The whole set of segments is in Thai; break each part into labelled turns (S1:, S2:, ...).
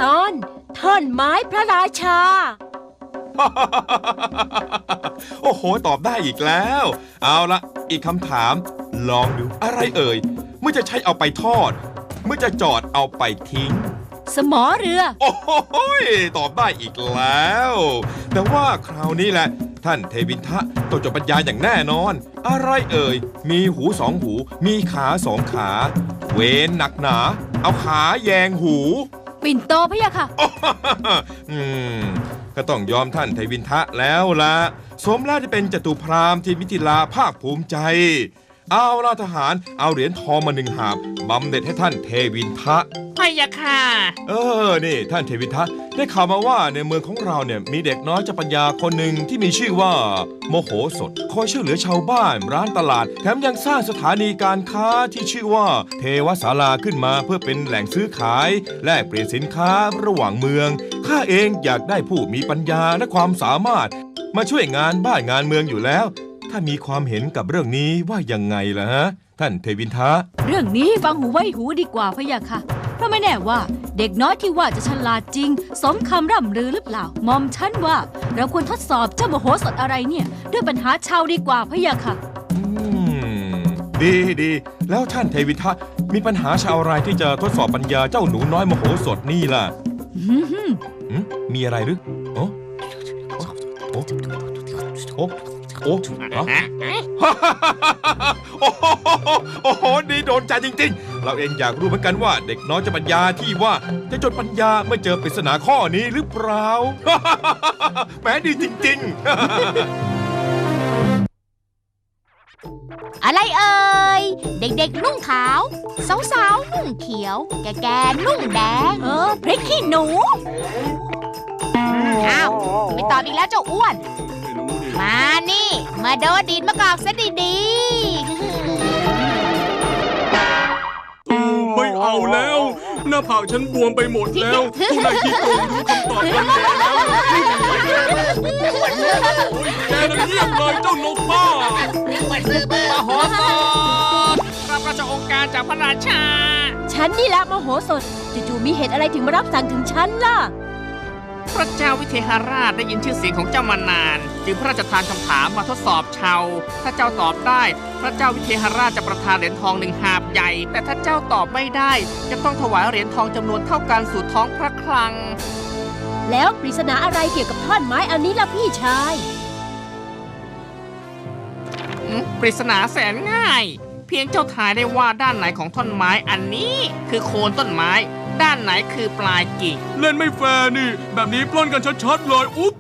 S1: ตอนท่อนไม้พระราชา
S2: โอ้โหตอบได้อีกแล้วเอาละอีกคำถามลองดูอะไรเอ่ยเมื่อจะใช้เอาไปทอดเมื่อจะจอดเอาไปทิ้ง
S1: สมอเรือ
S2: โอ้โหตอบได้อีกแล้วแต่ว่าคราวนี้แหละท่านเทวินทะต้องจดปัญญาอย่างแน่นอนอะไรเอ่ยมีหูสองหูมีขาสองขาเวนหนักหนาเอาขาแยงหู
S1: ปิ่นโตพะยะค่ะ
S2: ก็ต้องยอมท่านเทวินทะแล้วละสมแล้วที่เป็นจตุพราหมณ์ที่มิถิลาภาคภูมิใจเอาล่ะทหารเอาเหรียญทองมา1 หาบบำเหน็จให้ท่านเทวินทะ
S3: พะยะค่ะ
S2: นี่ท่านเทวินทะได้ข่าวมาว่าในเมืองของเราเนี่ยมีเด็กน้อยเจ้าปัญญาคนหนึ่งที่มีชื่อว่าโมโหสถคอยช่วยเหลือชาวบ้านร้านตลาดแถมยังสร้างสถานีการค้าที่ชื่อว่าเทวศาลาขึ้นมาเพื่อเป็นแหล่งซื้อขายแลกเปลี่ยนสินค้าระหว่างเมืองข้าเองอยากได้ผู้มีปัญญาและความสามารถมาช่วยงานบ้านงานเมืองอยู่แล้วถ้ามีความเห็นกับเรื่องนี้ว่ายังไงล่ะฮะท่านเทวินทะ
S1: เรื่องนี้ฟังหูไว้หูดีกว่าพะยะค่ะเพราะไม่แน่ว่าเด็กน้อยที่ว่าจะฉลาดจริงสมคำร่ำลือหรือเปล่าหม่อมฉันว่าเราควรทดสอบเจ้าโมโหสถอะไรเนี่ยด้วยปัญหาชาวดีกว่าพะยะค่ะ
S2: ดีแล้วท่านเทวินทะมีปัญหาชาวอะไรที่จะทดสอบปัญญาเจ้าหนูน้อยโมโหสถนี่ล่ะมีอะไรหรือโอ้ดีโดนใจจริงๆเราเองอยากรู้เหมือนกันว่าเด็กน้อยจะปัญญาที่ว่าจะจดปัญญาเมื่อเจอปริศนาข้อนี้หรือเปล่าแหมดีจริงๆ
S4: อะไรเอ่ยเด็กๆนุ่งขาวสาวๆนุ่งเขียวแก่ๆนุ่งแดง
S1: พริกขี้หนู
S4: อ้าวไม่ตอบอีกแล้วเจ้าอ้วนมานี่มาโดดดินมากอกซะดี
S5: ๆไม่เอาแล้วหน้าผากฉันบวมไปหมดแล้วผู้นายที่โกงรู้คำตอบกันแล้วแกน่ะเงียบเลยเจ้านกบ้าม
S3: โหสถรับราชองค์การจากพระราชา
S1: ฉันนี่แหละมโหสถจู่ๆมีเหตุอะไรถึงมารับสั่งถึงฉันล่ะ
S3: พระเจ้าวิเทหราชได้ยินชื่อเสียงของเจ้ามานานจึงพระราชทานคำถามมาทดสอบชาวถ้าเจ้าตอบได้พระเจ้าวิเทหราชจะประทานเหรียญทอง1 หาบใหญ่แต่ถ้าเจ้าตอบไม่ได้จะต้องถวายเหรียญทองจำนวนเท่ากันสู่ท้องพระคลัง
S1: แล้วปริศนาอะไรเกี่ยวกับท่อนไม้อันนี้ล่ะพี่ชาย
S3: ปริศนาแสนง่ายเพียงเจ้าทายได้ว่าด้านไหนของท่อนไม้อันนี้คือโคนต้นไม้ด้านไหนคือปลายกิ่ง
S5: เล่นไม่แฟร์นี่แบบนี้ปล้นกันชัดๆเลยอุ๊บ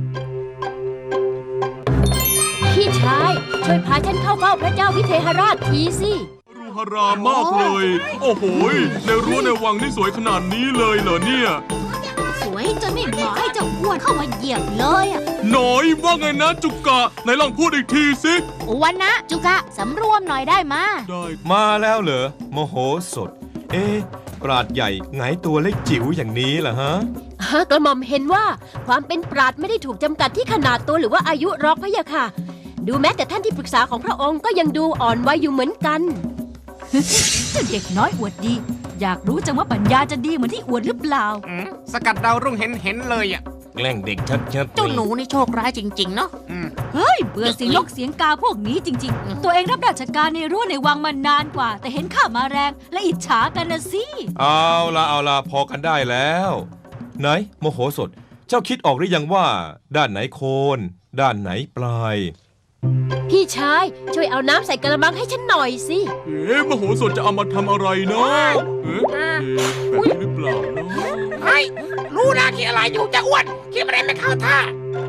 S1: พี่ชายช่วยพาฉันเข้าเฝ้าพระเจ้าวิเทหราชทีสิ
S5: รูหรามากเลยโอ้โหในรั้วในวังนี่สวยขนาดนี้เลยเหรอเนี่ย
S4: สวยจนไม่เหมาะให้เจ้าอ้วนเข้ามาเหยียบเลยอ่ะ
S5: น้อยว่าไงนะจุกะไหนลองพูดอีกทีสิ
S4: อ้วนนะจุกะสำรวมหน่อยได้มา
S2: มาแล้วเหรอโมโหสถปราชญ์ใหญ่ไงตัวเล็กจิ๋วอย่างนี้ล่ะฮะ
S1: กระหม่อมเห็นว่าความเป็นปราชญ์ไม่ได้ถูกจำกัดที่ขนาดตัวหรือว่าอายุหรอกพะยะค่ะดูแม้แต่ท่านที่ปรึกษาของพระองค์ก็ยังดูอ่อนวัยอยู่เหมือนกันเจ้าเด็กน้อยอวดดีอยากรู้จังว่าปัญญาจะดีเหมือนที่อวดหรือเปล่า
S3: สกัดดาวรุ่งเห็นเลยอ่ะ
S2: แกล้งเด็กชัด
S3: เจ้าหนูนี่โชคร้ายจริงๆเนาะ
S1: เฮ้ยเบื่อเสียงนกเสียงกาพวกนี้จริงๆตัวเองรับราชการในรั้วในวังมานานกว่าแต่เห็นข้ามาแรงและอิจฉากันนะสิ
S2: เอาล่ะพอกันได้แล้วไหนโมโหสถเจ้าคิดออกหรือยังว่าด้านไหนโคนด้านไหนปลาย
S1: พี่ชายช่วยเอาน้ำใส่กระมังให้ฉันหน่อยสิ
S5: มโหสถจะเอามาทำอะไรเนาะแบบนี้หรือเปล่าเนาะ
S3: ไอ้รู้นะคิดอะไรอยู่จะอ้วนคิดอะไรไม่เข้าท่า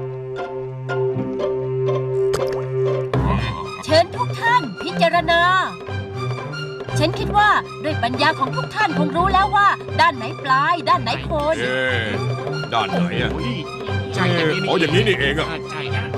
S1: เชิญทุกท่านพิจารณาฉันคิดว่าด้วยปัญญาของทุกท่านคงรู้แล้วว่าด้านไหนปลายด้านไหนโคน
S2: ด้านไหนอ่ะ
S3: ใช่
S2: อย่างนี้นี่เองอ่ะ
S3: ใช่นะ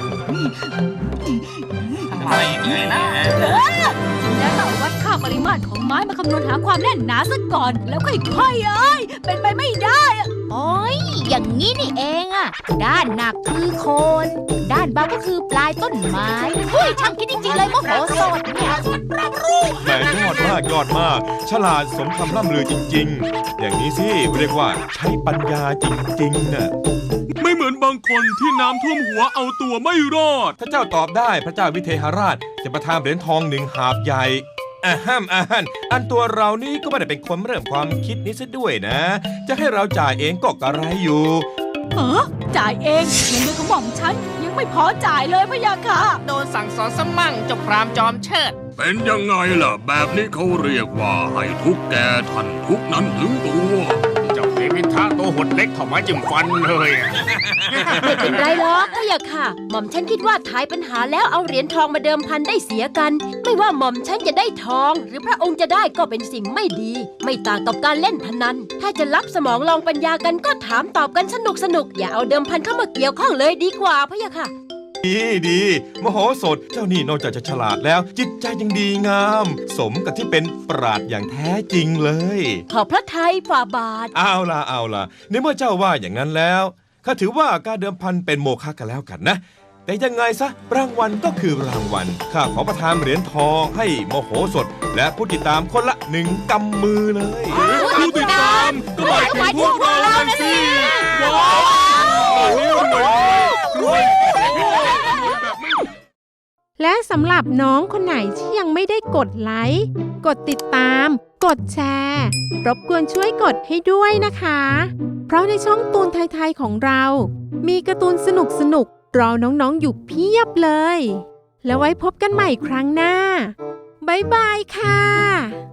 S1: แล้วเราวัดค่าปริมาตรของไม้มาคำนวณหาความแน่นหนาซะก่อนแล้วค่อยๆเป็นไปไม่ได้
S4: โอ้ยอย่างนี้นี่เองอะด้านหนักคือโคน ด้านเบาก็คือปลายต้นไม้เฮ้ยช่างคิดจริงๆเลยโมโหสดเนี่ย
S2: แหมยอดมาก ฉลาดสมคำล่ำลือจริงๆ อย่างนี้สิเรียกว่าใช้ปัญญาจริงๆน่ะ
S5: ไม่เหมือนบางคนที่น้ำท่วมหัวเอาตัวไม่รอด
S2: ถ้าเจ้าตอบได้พระเจ้าวิเทหราชจะประทานเหรียญทอง1 หาบใหญ่อันตัวเรานี่ก็ไม่ได้เป็นคนเริ่มความคิดนี้ซะด้วยนะ จะให้เราจ่ายเองก็กระไรอยู่
S1: จ่ายเองเงินเดือนของหม่อมฉันยังไม่พอจ่ายเลยพะยะค่ะ
S3: โดนสั่งสอนสมั่งเจ้าพรามจอมเชิด
S5: เป็นยังไงล่ะ แบบนี้เขาเรียกว่าให้ทุกแกทันทุกนั้นถึงตัว
S3: เจ้าเทวินทะตัวหดเล็กเข้ามาจิ้มฟันเลยอะ
S1: ไม่เป็นไรหรอกพะยะค่ะ หม่อมฉันคิดว่าทายปัญหาแล้วเอาเหรียญทองมาเดิมพันได้เสียกัน ไม่ว่าหม่อมฉันจะได้ทอง หรือพระองค์จะได้ก็เป็นสิ่งไม่ดี ไม่ต่างกับการเล่นพนัน ถ้าจะรับสมองลองปัญญากันก็ถามตอบกันสนุกอย่าเอาเดิมพันเข้ามาเกี่ยวข้องเลยดีกว่าพะยะค่ะ
S2: ดีมโหสถเจ้านี่นอกจากจะฉลาดแล้ว จิตใจยังดีงาม สมกับที่เป็นปราชญ์อย่างแท้จริงเลย
S1: ขอบพระทัยฝ่าบาท
S2: เอาล่ะในเมื่อเจ้าว่าอย่างนั้นแล้วข้าถือว่าการเดิมพันเป็นโมฆะกันแล้วกันนะ แต่ยังไงซะรางวัลก็คือรางวัลข้าขอประทานเหรียญทองให้โมโหสถ และผู้ติดตามคนละ1 กำมือเลย
S5: ผู้ติดตามก็หมายถึงพวกเรานะสิว้าวรวยแบบไม่
S6: และสำหรับน้องคนไหนที่ยังไม่ได้กดไลค์ กดติดตาม กดแชร์ รบกวนช่วยกดให้ด้วยนะคะ เพราะในช่องตูนไทยๆของเรา มีการ์ตูนสนุกๆรอน้องๆอยู่เพียบเลย แล้วไว้พบกันใหม่ครั้งหน้า บ๊ายบายค่ะ